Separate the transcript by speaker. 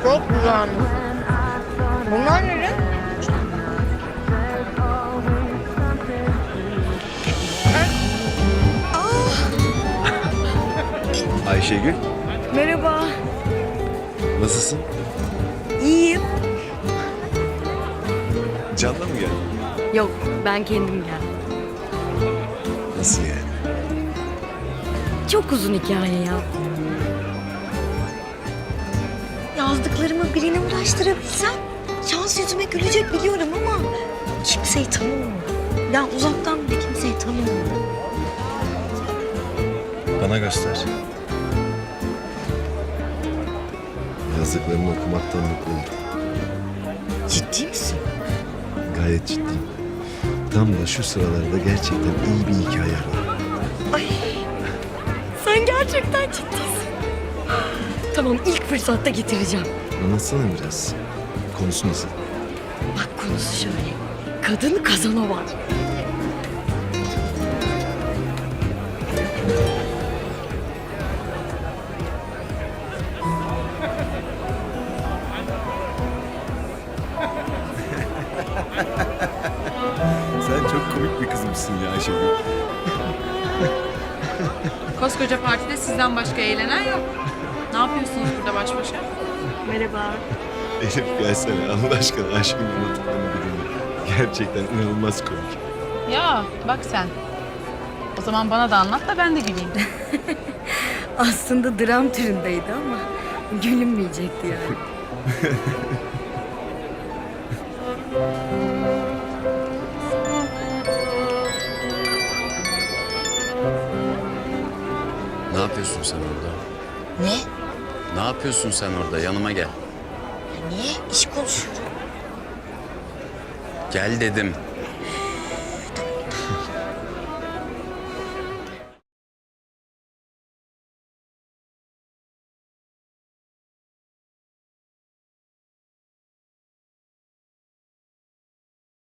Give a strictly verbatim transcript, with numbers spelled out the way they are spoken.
Speaker 1: Çok güzelmiş. Bunlar ne?
Speaker 2: Ayşegül,
Speaker 1: Merhaba.
Speaker 2: nasılsın?
Speaker 1: İyiyim.
Speaker 2: Can'la mı geldin?
Speaker 1: Yok, ben kendim geldim.
Speaker 2: Nasıl yani?
Speaker 1: Çok uzun hikaye ya. Yazdıklarımı birine ulaştırabilsem şans yüzüme gülecek biliyorum ama kimseyi tanımıyorum. Ya uzaktan bile kimseyi tanımıyorum.
Speaker 2: Bana göster. Yazdıklarını okumaktan mutlu oldum.
Speaker 1: Ciddi misin?
Speaker 2: Gayet ciddiyim. Tam da şu sıralarda gerçekten iyi bir hikaye var.
Speaker 1: Ay, sen gerçekten ciddisin. Tamam, ilk fırsatta getireceğim.
Speaker 2: Anlatsana biraz. Konusu nasıl?
Speaker 1: Bak konusu şöyle. Kadın kazana var.
Speaker 2: Sen çok komik bir kızmışsın ya Ayşegül.
Speaker 3: Koskoca partide sizden başka eğlenen yok. Ne yapıyorsunuz burada baş başa?
Speaker 1: Merhaba.
Speaker 2: Elif gelsene Allah aşkına Ayşegül'ün anlattıklarını bir dinle. Gerçekten inanılmaz komik.
Speaker 3: Ya bak sen. O zaman bana da anlat da ben de güleyim.
Speaker 1: Aslında dram türündeydi ama gülünmeyecekti yani.
Speaker 4: Ne yapıyorsun sen orada?
Speaker 1: Ne?
Speaker 4: Ne yapıyorsun sen orada? Yanıma gel.
Speaker 1: Niye? İş konuşuyorum.
Speaker 4: Gel dedim.